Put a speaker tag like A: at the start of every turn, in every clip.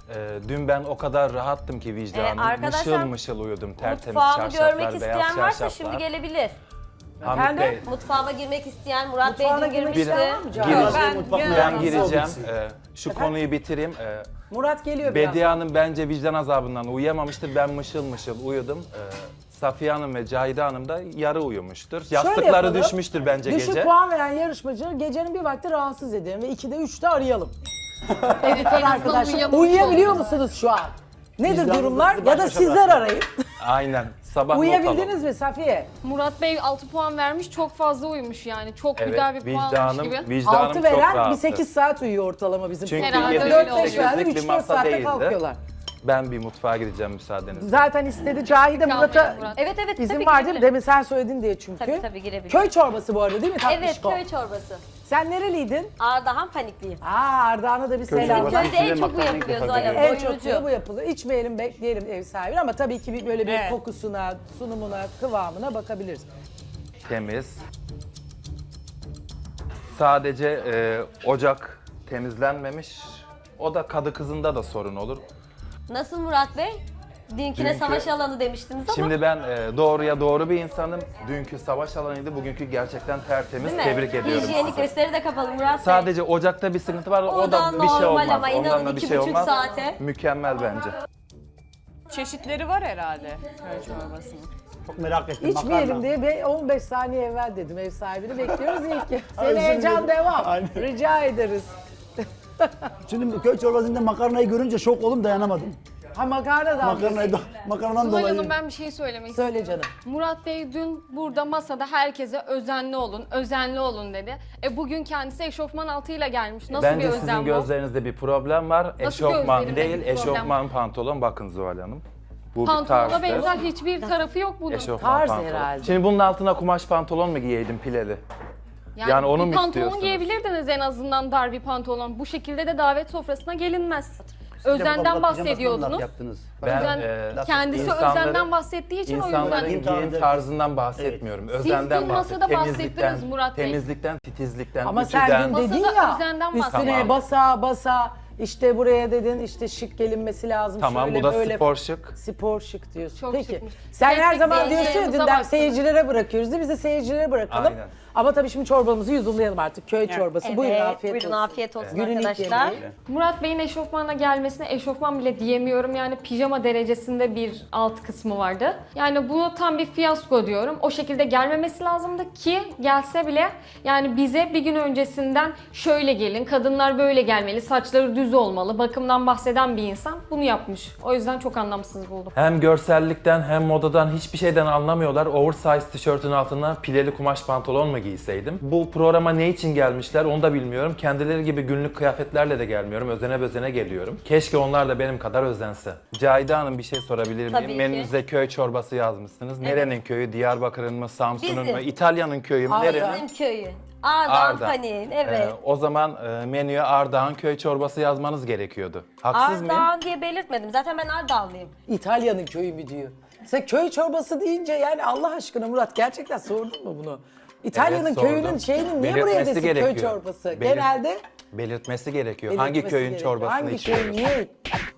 A: Dün ben o kadar rahattım ki vicdanım.
B: arkadaşlar,
A: Mışıl mışıl uyudum. Tertemiz
B: Mutfağımı
A: çarşaflar,
B: görmek
A: beyaz
B: isteyen varsa
A: çarşaflar.
B: şimdi gelebilir.
A: Hamit
C: Efendim?
A: Bey,
B: Mutfağıma girmek isteyen Murat Bey
C: Mutfağına
B: dün
C: girmek
B: girmişti.
C: isteyen var mı Can?
A: gireceğim. Ben gireceğim. Şu konuyu bitireyim.
C: Murat geliyor biraz.
A: Bediye Hanım bence vicdan azabından uyuyamamıştır. Ben mışıl mışıl uyudum. Safiye Hanım ve Cahide Hanım da yarı uyumuştur.
C: Şöyle
A: Yastıkları
C: yapalım.
A: düşmüştür bence
C: Düşük
A: gece.
C: puan veren yarışmacı gecenin bir vakti rahatsız edelim ve 2'de 3'te arayalım.
D: Evet,
C: Arkadaşlar uyuyabiliyor musunuz şu an? Nedir durumlar? Ya da sizler arayın.
A: Aynen. Sabah not
C: Uyuyabildiniz
A: alalım.
C: mi Safiye?
D: Murat Bey 6 puan vermiş, çok fazla uyumuş yani. Çok
A: Evet,
D: güzel bir puan almış gibi.
A: vicdanım
C: 6
A: çok
C: veren bir
A: rahattı.
C: 8 saat uyuyor ortalama bizim.
A: Çünkü
D: Herhalde
A: yedi,
D: öyle
C: 4-5
D: oluyor.
C: verdi,
A: sekizlik bir
C: 3-4
A: masa
C: saatte
A: değildi.
C: kalkıyorlar.
A: Ben bir mutfağa gideceğim müsaadenizle.
C: Zaten istedi Cahide Murat'a
D: Kalmayın Murat.
B: Evet evet
C: izin
B: tabii
C: var değil mi?
B: girebilir.
C: Demin sen söyledin diye çünkü.
B: Tabii girebilir.
C: Köy çorbası bu arada değil mi?
B: Evet
C: Tatlışko.
B: köy çorbası.
C: Sen nereliydin?
B: Ardahan panikliyim.
C: Ardahan'a da bir selam.
B: Bizim
E: çorbası.
B: köyde en
E: Size
B: çok bu
E: makarna
B: yapılıyor
E: ilk defa
B: Zuhal Hanım.
C: En çok da
B: Doyurucu.
C: bu yapılır. İçmeyelim, bekleyelim ev sahibini ama tabii ki böyle bir
F: Evet.
C: kokusuna, sunumuna, kıvamına bakabiliriz.
A: Temiz. Sadece ocak temizlenmemiş. O da kadı kızında da sorun olur.
B: Nasıl Murat Bey? Dünküne
A: Dünkü-
B: savaş alanı demiştiniz ama.
A: Şimdi ben doğruya doğru bir insanım. Dünkü savaş alanıydı, bugünkü gerçekten tertemiz.
B: Değil mi?
A: Tebrik ediyorum
B: Hijyenik
A: sizi.
B: gösteri de kapalı Murat Bey.
A: Sadece ocakta bir sıkıntı var. O da bir şey
B: normal
A: olmaz.
B: ama inanın
A: Ondan da bir şey
B: 2,5
A: olmaz.
B: saate.
A: Mükemmel bence.
F: Çeşitleri var herhalde köy çorbasının.
E: Çok merak ettim.
C: İçmeyelim
E: makarna.
C: diye 15 saniye evvel dedim ev sahibini bekliyoruz ilk ki.
E: Özür
C: Seni heyecan
E: dilerim.
C: devam.
E: Aynen.
C: Rica ederiz.
E: Şimdi köy çorbasında makarnayı görünce şok oldum, dayanamadım.
C: Ha makarna da
E: Makarnadan
D: Zuhal
E: dolayı.
D: Hanım ben bir şey söylemek istiyorum.
C: Söyle canım.
D: Murat Bey dün burada masada herkese özenli olun, özenli olun dedi. Bugün kendisi eşofman altıyla gelmiş. Nasıl
A: Bence
D: bir
A: sizin
D: özen bu?
A: gözlerinizde bir problem var. Eşofman
D: gözlerimde
A: değil,
D: bir problem?
A: eşofman pantolon. Bakın Zuhal Hanım. Bu bir
D: Pantolona
A: tarzdır.
D: benzer hiçbir tarafı yok bunun.
A: Eşofman
C: Tarz
A: pantolon.
C: herhalde.
A: Şimdi bunun altına kumaş pantolon mu giyeydim pileli? Yani onu
D: bir
A: mu
D: pantolon
A: istiyorsunuz?
D: giyebilirdiniz en azından, dar bir pantolon. Bu şekilde de davet sofrasına gelinmez.
E: Siz de bu
D: Özenden
E: abla pijamasından
D: bahsediyordunuz.
E: laf yaptınız.
A: Ben,
D: Kendisi
A: insanları-
D: özenden bahsettiği için o
A: İnsanların
D: yüzden.
A: giyim tarzından bahsetmiyorum. Özenden
D: dün masada bahsettiniz Murat Bey.
A: Temizlikten, titizlikten,
C: Ama
A: ütüden.
C: sen dün dedin
D: Masada
C: ya
D: özenden
C: üstüne
A: Tamam.
C: basa işte buraya dedin işte şık gelinmesi lazım.
A: Tamam,
C: şöyle
A: bu da
C: böyle.
A: spor şık.
C: Spor şık diyorsun.
D: Çok
C: Peki.
D: şıkmış.
C: Sen her
D: Tek
C: zaman
D: tek
C: diyorsun ya
D: seyircilerimize
C: dünden
D: baktınız.
C: seyircilere bırakıyoruz değil mi? Biz de seyircilere bırakalım.
A: Aynen.
C: Ama tabii şimdi çorbamızı yudumlayalım artık. Köy çorbası.
B: Evet,
C: Buyurun afiyet
B: buyurun
C: olsun.
B: afiyet olsun
C: Günün ilk
B: arkadaşlar.
C: yemeği.
D: Murat Bey'in eşofmanla gelmesine eşofman bile diyemiyorum. Yani pijama derecesinde bir alt kısmı vardı. Yani bunu tam bir fiyasko diyorum. O şekilde gelmemesi lazımdı ki gelse bile yani bize bir gün öncesinden şöyle gelin, kadınlar böyle gelmeli, saçları düz olmalı, bakımdan bahseden bir insan bunu yapmış. O yüzden çok anlamsız buldum.
A: Hem görsellikten hem modadan hiçbir şeyden anlamıyorlar. Oversize tişörtün altına pileli kumaş pantolon mu giyseydim? Bu programa ne için gelmişler onu da bilmiyorum. Kendileri gibi günlük kıyafetlerle de gelmiyorum. Özene bezene geliyorum. Keşke onlar da benim kadar özense. Cahide Hanım bir şey sorabilir
B: Tabii
A: miyim?
B: ki.
A: Menünüze köy çorbası yazmışsınız. Nerenin köyü? Diyarbakır'ın mı? Samsun'un
B: Bizim.
A: mu? İtalya'nın köyü mü? Nerenin?
B: Bizim köyü. Ardahan
A: Ardahan.
B: Panik'in evet.
A: O zaman menüye Ardahan köy çorbası yazmanız gerekiyordu. Haksız mıyım?
B: Ardahan diye belirtmedim. Zaten ben Ardahanlıyım.
C: İtalya'nın köyü mü diyor. Sen köy çorbası deyince yani Allah aşkına Murat gerçekten sordun mu bunu? İtalya'nın
A: Evet, sordum.
C: köyünün şeyini niye buraya
A: Belirtmesi
C: desin köy
A: gerekiyor.
C: çorbası?
A: Belir-
C: Genelde
A: Belirtmesi gerekiyor. Hangi
C: belirtmesi
A: köyün
C: gerekiyor.
A: çorbasını
C: Hangi
A: içiyoruz?
C: köyün niye?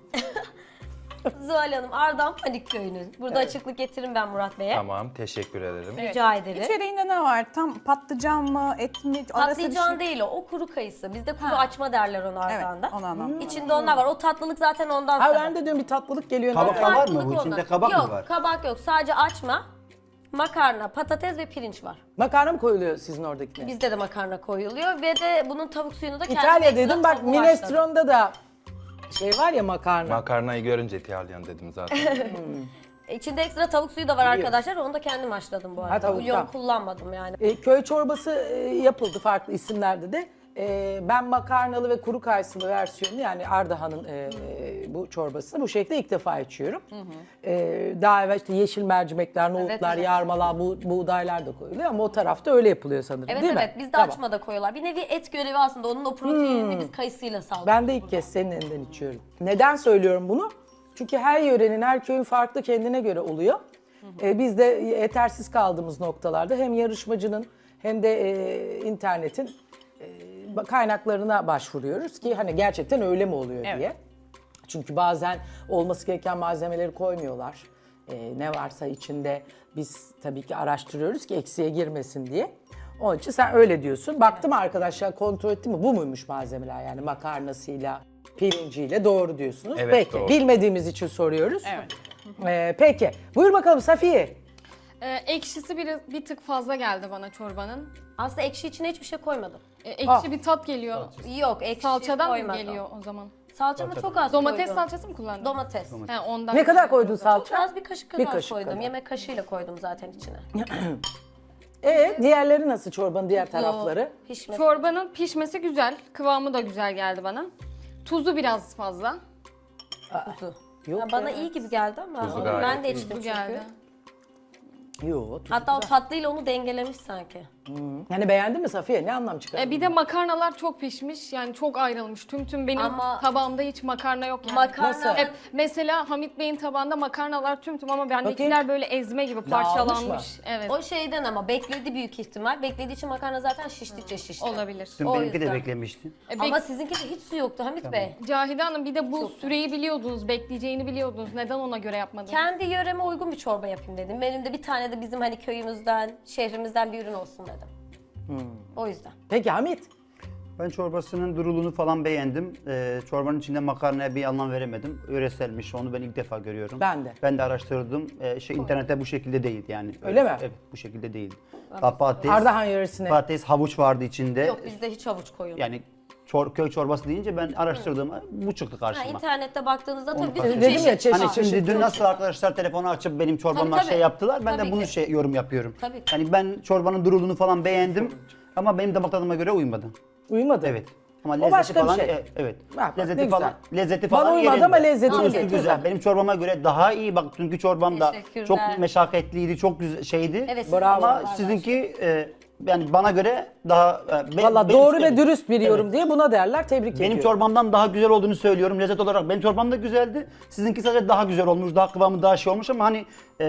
B: Zuhal Hanım Ardahan Panik köyünün. Burada açıklık getiririm ben Murat Bey'e.
A: Tamam, teşekkür ederim.
B: Rica ederim.
F: İçeriğinde ne var? Tam patlıcan mı, et mi? Arası bir
B: Patlıcan
F: şey.
B: değil o kuru kayısı. Bizde kuru açma derler onu Ardahan'da.
F: Evet, onu anladım.
B: İçinde onlar var. O tatlılık zaten ondan
C: Ha
B: sebep.
C: ben de diyorum bir tatlılık geliyor.
E: Kabak
C: nereden?
E: var mı bu?
B: Farklılık
E: İçinde
B: ondan.
E: kabak
B: yok,
E: mı var?
B: kabak yok. Sadece açma, makarna, patates ve pirinç var.
C: Makarna mı koyuluyor sizin oradakine?
B: Bizde de makarna koyuluyor ve de bunun tavuk suyunu da kendim
C: İtalya
B: ekstra
C: dedim bak
B: tavuğu haşladım.
C: minestrone'da da şey var ya makarna.
A: Makarnayı görünce İtalyan dedim zaten.
B: İçinde ekstra tavuk suyu da var arkadaşlar. Onu da kendim haşladım bu arada.
C: tavuk,
B: Bulyon
C: tamam.
B: kullanmadım yani.
C: Köy çorbası yapıldı farklı isimlerde de. Ben makarnalı ve kuru kayısılı versiyonu yani Ardahan'ın bu çorbasını bu şekilde ilk defa içiyorum. Daha evvel işte yeşil mercimekler, nohutlar,
B: evet.
C: yarmalar, buğdaylar da koyuluyor ama o tarafta öyle yapılıyor sanırım
B: Evet
C: değil
B: evet
C: mi?
B: bizde
C: Tamam.
B: açma da koyuyorlar. Bir nevi et görevi aslında. Onun o proteinini biz kayısıyla sağlıyoruz.
C: Ben de ilk kez senin elinden içiyorum. Neden söylüyorum bunu? Çünkü her yörenin, her köyün farklı kendine göre oluyor. Biz de yetersiz kaldığımız noktalarda hem yarışmacının hem de internetin kaynaklarına başvuruyoruz ki hani gerçekten öyle mi oluyor diye. Çünkü bazen olması gereken malzemeleri koymuyorlar. Ne varsa içinde biz tabii ki araştırıyoruz ki eksiğe girmesin diye. Onun için sen öyle diyorsun. Baktım arkadaşlar, kontrol ettim mi? Bu muymuş malzemeler, yani makarnasıyla, pirinciyle, doğru diyorsunuz.
A: Evet,
C: Peki,
A: doğru.
C: bilmediğimiz için soruyoruz.
F: Evet.
C: Peki, buyur bakalım Safiye.
D: Ekşisi bir tık fazla geldi bana çorbanın.
B: Aslında ekşi içine hiçbir şey koymadım.
D: Ekşi bir tat geliyor.
B: Yok, ekşi
D: Salçadan mı
B: koymadım.
D: geliyor o zaman?
B: Salçamı çok az
D: Domates
B: koydum.
D: salçası mı kullandın?
B: Domates.
D: He, ondan
C: Ne kadar
D: geliyor.
C: koydun
B: Çok
C: salça?
B: az, bir kaşık kadar
C: kaşık
B: koydum.
C: kadar.
B: Yemek kaşığıyla koydum zaten içine.
C: Diğerleri nasıl, çorbanın diğer tarafları?
B: Pişmesi.
D: Çorbanın pişmesi güzel. Kıvamı da güzel geldi bana. Tuzu biraz fazla.
C: Yok
B: Ya bana iyi gibi geldi ama
A: Tuzu
B: onu
A: gayet
B: ben de
A: iyi.
B: içtim
D: Bu
B: çünkü.
D: geldi.
C: Yok.
B: Hatta o tatlıyla onu dengelemiş sanki.
C: Yani beğendin mi Safiye? Ne anlam çıkardın?
D: Bir de makarnalar çok pişmiş. Yani çok ayrılmış. Tüm benim
B: Ama-
D: tabağımda hiç makarna yok yani.
B: Makarna
C: Nasıl?
D: Hep mesela Hamit Bey'in tabağında makarnalar tüm ama bendekiler
C: Bakayım.
D: böyle ezme gibi
C: Dağılmış
D: parçalanmış. Evet.
B: o şeyden ama bekledi büyük ihtimal. Beklediği için makarna zaten şiştikçe şişti.
D: Olabilir.
E: Dün
B: O
E: benimki de
B: yüzden.
E: beklemişti.
B: Ama sizinki de hiç su yoktu Hamit Bey.
D: Cahide Hanım bir de bu süreyi biliyordunuz, bekleyeceğini biliyordunuz. Neden ona göre yapmadınız?
B: Kendi yöreme uygun bir çorba yapayım dedim. Benim de bir tane de bizim hani köyümüzden, şehrimizden bir ürün olsun dedim. O yüzden.
C: Peki Hamit?
E: Ben çorbasının duruluğunu falan beğendim. Çorbanın içinde makarnaya bir anlam veremedim. Yöreselmiş, onu ben ilk defa görüyorum.
C: Ben de.
E: Ben de araştırdım. İnternette bu şekilde değil yani.
C: Öyle mi?
E: Evet, bu şekilde değil. Patates,
C: Ardahan yöresine.
E: patates, havuç vardı içinde.
B: Yok bizde hiç havuç koyulmuyor.
E: Yani köy çorbası deyince ben araştırdığımda bu çıktı
B: Ha,
E: karşıma.
B: internette baktığınızda tabii bir
E: Onu
B: sürü
C: dedim ya,
B: çeşit.
C: çeşit
E: Hani
C: çeşit.
E: şimdi dün nasıl arkadaşlar telefonu açıp benim çorbama
B: Tabii, tabii.
E: şey yaptılar, ben
B: Tabii
E: de bunu
B: ki.
E: yorum yapıyorum.
B: Tabii ki.
E: Yani ben çorbanın duruluğunu falan beğendim ama benim damak tadıma göre uymadı.
C: Uyumadı.
E: Evet. Ama
C: O
E: lezzeti
C: başka bir
E: falan
C: şey.
E: Evet.
C: Bak, ne
E: lezzeti
C: güzel.
E: falan lezzeti
C: Bana
E: falan
C: uymadı
E: yerinde.
C: ama lezzeti
E: Tuzu
C: yerinde.
E: güzel. Benim çorbama göre daha iyi. Bak dünkü çorbam da
B: Teşekkürler.
E: çok meşakkatliydi, çok güzel şeydi.
B: Evet,
C: Bravo.
E: Ama sizinki yani bana göre daha
C: Valla
E: benim-
C: doğru ve
E: evet.
C: dürüst bir yorum
E: Evet.
C: diye buna derler. Tebrik ediyorum.
E: Benim çorbamdan daha güzel olduğunu söylüyorum lezzet olarak. Benim çorbam da güzeldi. Sizinki sadece daha güzel olmuş, daha kıvamı daha şey olmuş ama hani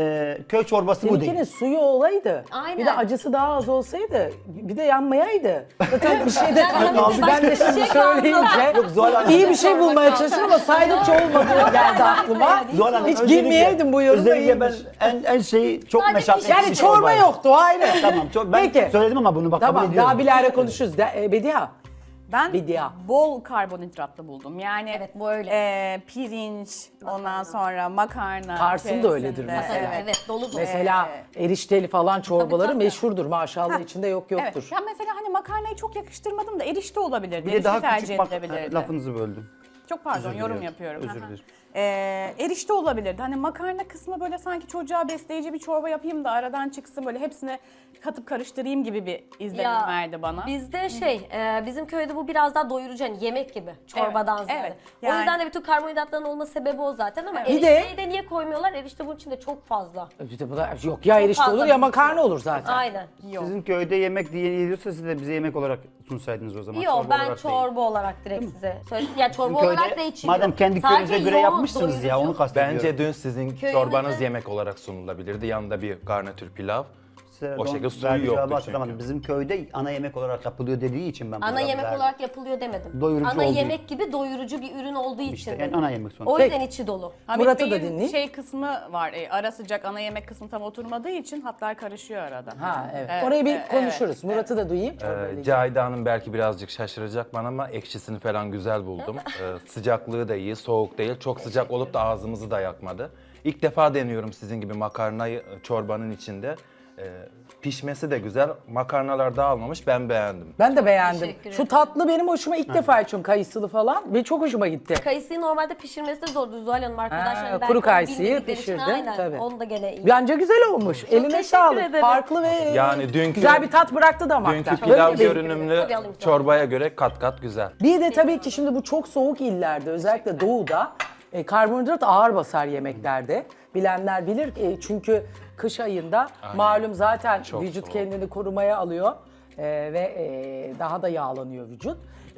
E: köy çorbası bu
C: Seninkinin
E: değil.
C: suyu olaydı.
B: Aynen.
C: Bir de acısı daha az olsaydı. Bir de yanmayaydı. Zaten bir şey de kaldı. Ben de şimdi
B: Şey
C: söyleyince
E: Yok, Zuhal Hanım.
C: iyi bir şey bulmaya çalıştım ama saydıkça olmadığı geldi aklıma.
E: Zuhal Hanım,
C: Hiç
E: özellikle-
C: girmeyeydim bu yoruma.
E: Özellikle ben
C: iyiymiş.
E: en şeyi çok
B: Sadece
E: meşakkatli
C: Yani
E: bir
C: çorba
E: çorbaydı.
C: yoktu ayrı.
E: Tamam, ben
C: Peki.
E: söyledim ama bunu bak kabul
C: Tamam,
E: ediyorum.
C: daha bilahare konuşuruz. Bediha.
F: Ben
C: Bidya.
F: bol karbonhidratlı buldum. Yani
B: Evet, bu öyle.
F: Pirinç, ondan sonra makarna.
C: Kars'ın da öyledir
F: içerisinde,
C: mesela.
B: Evet, dolu dolu.
C: Mesela erişteli falan çorbaları
B: tabii.
C: meşhurdur maşallah, içinde yok yoktur.
F: Evet. Ya mesela hani makarnayı çok yakıştırmadım da erişte olabilirdi.
E: Bir de
F: Erişte
E: daha
F: tercih
E: küçük bak
F: edilebilirdi.
E: lafınızı böldüm.
F: Çok pardon,
E: Özür
F: yorum
E: diliyorum.
F: yapıyorum.
E: Özür
F: Aha.
E: dilerim.
F: Erişte olabilirdi. Hani makarna kısmı böyle sanki çocuğa besleyici bir çorba yapayım da aradan çıksın, böyle hepsini katıp karıştırayım gibi bir izlenim verdi bana.
B: Bizde bizim köyde bu biraz daha doyurucu, hani yemek gibi çorbadan
F: Evet,
B: ziyade.
F: evet.
B: O
F: Yani-
B: yüzden de bütün karbonhidratların olma sebebi o zaten ama
C: Bir de-
B: erişteyi de niye koymuyorlar? Erişte bunun içinde çok fazla.
C: Bir de bu da yok ya, erişte
B: fazla
C: olur ya
B: bir
C: makarna
B: şey.
C: olur zaten.
B: Aynen.
E: Sizin köyde yemek diye yiyorsa siz de bize yemek olarak sunsaydınız o zaman.
B: Yok,
E: çorba
B: ben
E: olarak değil.
B: çorba olarak direkt size söyledim. Ya çorba
E: Sizin
B: olarak
E: köyde,
B: da içiliyor.
E: madem kendi
B: Sadece
E: köyünüze göre
B: yoğun,
E: yapmışsınız ya,
B: doyurucu.
E: onu kastediyorum.
A: Bence dün sizin
B: Köyümüzde-
A: çorbanız yemek olarak sunulabilirdi. Yanında bir garnitür pilav. O şekilde suyu
E: Verdiği
A: yoktu
E: cevabı hatırlamadım.
A: çünkü.
E: Bizim köyde ana yemek olarak yapılıyor dediği için ben bu
B: Ana
E: cevabı
B: yemek
E: verdim.
B: olarak yapılıyor demedim.
E: Doyurucu
B: ana
E: olduğu-
B: yemek gibi doyurucu bir ürün olduğu için
E: İşte,
B: dedim.
E: yani ana yemek sonuçta.
B: O yüzden içi dolu.
F: Hamit
C: Murat'ı da
F: Bey'in
C: dinleyin.
F: şey kısmı var, ara sıcak ana yemek kısmı tam oturmadığı için hatlar karışıyor arada.
C: Ha evet.
F: Evet,
C: Orayı bir
F: evet,
C: konuşuruz. Murat'ı da duyayım.
A: Cahide Hanım belki birazcık şaşıracak bana ama ekşisini falan güzel buldum. Sıcaklığı da iyi, soğuk değil. Çok sıcak olup da ağzımızı da yakmadı. İlk defa deniyorum sizin gibi makarnayı çorbanın içinde. Pişmesi de güzel. Makarnalar dağılmamış. Ben beğendim.
C: Ben de beğendim.
B: teşekkür
C: Şu
B: ederim.
C: tatlı benim hoşuma, ilk defa içiyorum, kayısılı falan. Ve çok hoşuma gitti.
B: Kayısıyı normalde pişirmesi de zordu Zuhal Hanım arkadaşlar.
C: Ha,
B: Belki
C: kuru
B: onu
C: kayısıyı
B: bilmedikleri için
C: pişirdin,
B: aynen.
C: tabii.
B: Onu da gene iyi.
C: Bence güzel olmuş. Eline
B: teşekkür
C: sağlık.
B: ederim.
C: Farklı ve
A: Yani dünkü-
C: güzel bir tat bıraktı damakta.
A: Dünkü
C: Böyle
A: pilav
C: bir-
A: görünümlü
B: Tabii alayım sana.
A: çorbaya göre kat kat güzel.
C: Bir de tabii ki şimdi bu çok soğuk illerde, özellikle doğuda karbonhidrat ağır basar yemeklerde. Bilenler bilir çünkü kış ayında malum zaten
A: Çok
C: vücut
A: soğuk.
C: kendini korumaya alıyor ve daha da yağlanıyor vücut.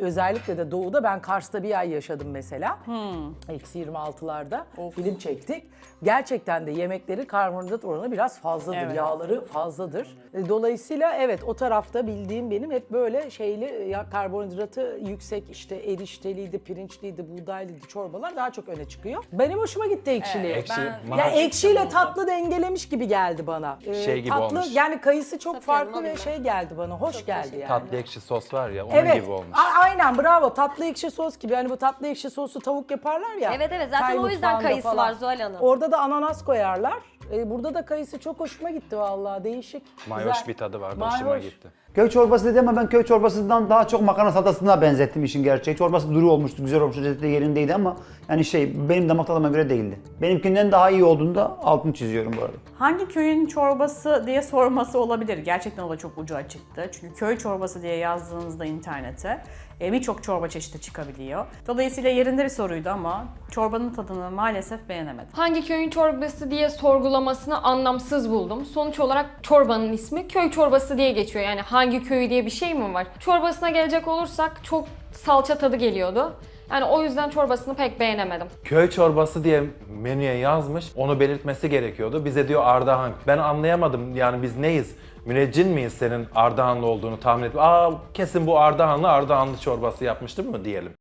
C: Özellikle de doğuda, ben Kars'ta bir ay yaşadım mesela. Eksi 26'larda film çektik. Gerçekten de yemekleri karbonhidrat oranı biraz fazladır.
F: Evet.
C: Yağları fazladır. Dolayısıyla evet, o tarafta bildiğim benim hep böyle şeyli, ya karbonhidratı yüksek, işte erişteliydi, pirinçliydi, buğdaylıydı çorbalar daha çok öne çıkıyor. Benim hoşuma gitti ekşiliği.
A: Ekşi,
F: Ben-
C: Ya
A: mahal-
C: ekşiyle tatlı dengelemiş gibi geldi bana.
A: Şey gibi
C: tatlı,
A: olmuş.
C: yani kayısı çok
B: Safiye Hanım,
C: farklı ve
B: alayım
C: şey geldi bana, hoş geldi yani.
A: Tatlı ekşi sos var ya onun
C: Evet,
A: gibi olmuş.
C: aynen, bravo, tatlı ekşi sos gibi. Hani bu tatlı ekşi soslu tavuk yaparlar ya.
B: Evet, evet, zaten
C: Tay
B: o yüzden
C: mutfağında
B: kayısı
C: falan.
B: var Zuhal Hanım.
C: Orada da ananas koyarlar. Burada da kayısı çok hoşuma gitti vallahi, değişik.
A: Mayoş
C: güzel.
A: bir tadı vardı,
C: Mayoş.
A: hoşuma gitti.
E: Köy çorbası dedi ama ben köy çorbasından daha çok makarna salatasına benzettim işin gerçeği. Çorbası duru olmuştu, güzel olmuştu, lezzeti de yerindeydi ama yani benim damak tadıma göre değildi. Benimkinden daha iyi olduğunu da altını çiziyorum bu arada.
F: Hangi köyün çorbası diye sorması olabilir. Gerçekten o da çok ucu açıktı. Çünkü köy çorbası diye yazdığınızda internete birçok çorba çeşidi çıkabiliyor. Dolayısıyla yerinde bir soruydu ama çorbanın tadını maalesef beğenemedim.
D: Hangi köyün çorbası diye sorgulamasını anlamsız buldum. Sonuç olarak çorbanın ismi köy çorbası diye geçiyor. Yani hangi köyü diye bir şey mi var? Çorbasına gelecek olursak çok salça tadı geliyordu. Yani o yüzden çorbasını pek beğenemedim.
A: Köy çorbası diye menüye yazmış, onu belirtmesi gerekiyordu. Bize diyor Ardahan. Ben anlayamadım, yani biz neyiz? Müneccin miyiz senin Ardahanlı olduğunu tahmin edip, kesin bu Ardahanlı çorbası yapmıştır mı diyelim.